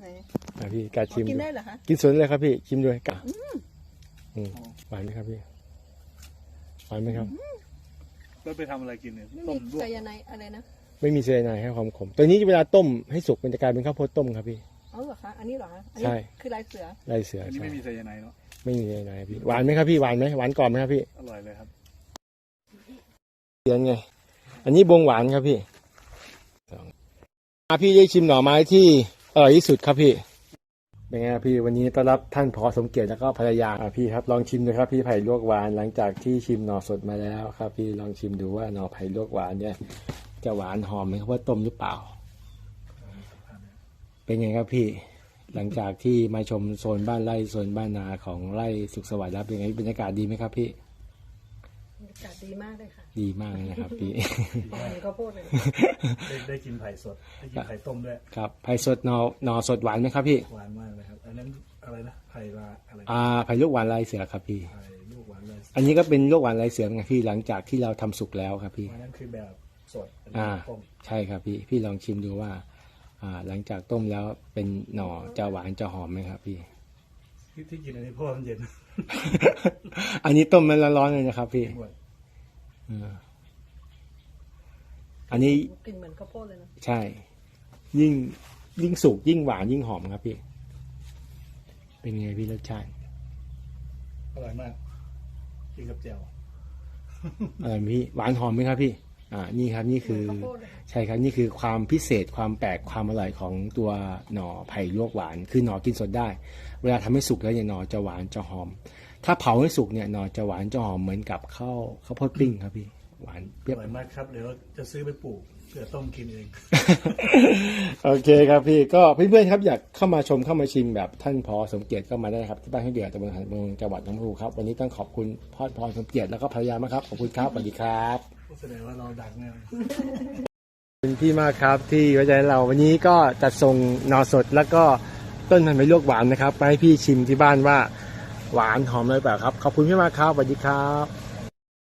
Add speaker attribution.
Speaker 1: พี่กาชิม
Speaker 2: กินได้เหรอคะ
Speaker 1: กินสดเลยครับพี่ชิมด้วยกะหวานไหมครับพี่หวานไหมครับ
Speaker 3: แล้วไปทำอะไรกินเนี่ย
Speaker 2: ไม่มีไซยาไนด์อะไรนะ
Speaker 1: ไม่มีไซยาไนด์ให้ความขมตัวนี้เวลาต้มให้สุกมันจะกลายเป็นข้าวโพดต้มครับพี่
Speaker 2: อ๋อเหรอคะอันนี้เหรอคะ
Speaker 1: ใช่
Speaker 2: คือลายเสือ
Speaker 1: ลายเสือ
Speaker 3: นี่
Speaker 1: ใช่
Speaker 3: ไม่มีไซยาไนด์เนาะ
Speaker 1: ไม่มีไซยาไนด์พี่หวานไหมครับพี่หวานไหมหวานกรอบไหมครับพี่
Speaker 3: อร่อยเลยครับ
Speaker 1: เสียนไงอันนี้บวงหวานครับพี่พี่ได้ชิมหน่อไม้ที่อร่อยที่สุดครับพี่เป็นไงพี่วันนี้ต้อนรับท่านผอ.สมเกียรติแล้วก็ภรรยาพี่ครับลองชิมดูครับพี่ไผ่ลวกหวานหลังจากที่ชิมหน่อสดมาแล้วครับพี่ลองชิมดูว่าหน่อไผ่ลวกหวานเนี่ยจะหวานหอมไหมครับว่าต้มหรือเปล่าเป็นไงครับพี่หลังจากที่มาชมโซนบ้านไร่โซนบ้านนาของไร่สุขสวัสดิ์แล้วเป็นไงบรรยากาศดีไหมครับพี่
Speaker 2: บรรยากาศดีมากเลยค่ะ
Speaker 1: ดีมากเลยนะครับพี่
Speaker 2: ข้าวโพดเลย
Speaker 3: ได้กินไผ่สดได้กินไผ่ต้มด้วย
Speaker 1: ครับไผ่สดหน่อสดหวานไหมครับพี่
Speaker 3: หวานมากเลยครับอันนั้นอะไรนะไผ่ลาอะไร
Speaker 1: ไผ่ลูกหวานลายเสือครับพี่
Speaker 3: ไผ่ลูกหวานลาย
Speaker 1: อันนี้ก็เป็นลูกหวานลายเสือไงพี่หลังจากที่เราทำสุกแล้วครับพี่
Speaker 3: อันนั้นคือแบบสดต้ม
Speaker 1: ใช่ครับพี่ลองชิมดูว่าหลังจากต้มแล้วเป็นหน่อจะหวานจะหอมไหมครับพี่
Speaker 3: ที่กินอันนี้เพราะมันเย็น
Speaker 1: อันนี้ต้มมันร้อนๆเลยนะครับพี่อันนี้
Speaker 2: กลิ่นเหมือนข้าวโพดเลยนะ
Speaker 1: ใช่ยิ่งสุกยิ่งหวานยิ่งหอมครับพี่เป็นไงพี่รสชาติ
Speaker 3: อร่อยมากกินกับแจ่ว
Speaker 1: พี่หวานหอมไหมครับพี่นี่ครับนี่คือใช่ครับนี่คือความพิเศษความแปลกความอร่อยของตัวหน่อไผ่ลวกหวานคือหน่อกินสดได้เวลาทำให้สุกแล้วเนี่ยหน่อจะหวานจะหอมถ้าเผาให้สุกเนี่ยหน่อจะหวานจะหอมเหมือนกับข้าวโพดปิ้งครับพี่หวานเปรี้ยว
Speaker 3: อร่อยมากครับเดี๋ยวจะซื้อไปปลูกเพื่อต้มกินเอง
Speaker 1: โอเคครับพี่ก็เพื่อนๆครับอยากเข้ามาชมเข้ามาชิมแบบท่านผอ.สมเกียรติก็มาได้ครับที่บ้านให้เดือดตำบลหาดเมืองจังหวัดหนองบัวลำพูครับวันนี้ต้องขอบคุณพ่อผอ.สมเกียรติแล้วก็ภรรยามากครับขอบคุณครับสวัสดีครับ
Speaker 3: แสดงว่าเราดังแน่
Speaker 1: คุณพี่มากครับที่ไว้ใจเราวันนี้ก็จัดส่งหน่อสดแล้วก็ต้นพันธุ์ไม้ลวกหวานนะครับไปให้พี่ชิมที่บ้านว่าหวานหอมเลยเปล่าครับขอบคุณพี่มากครับสวัสดีครับ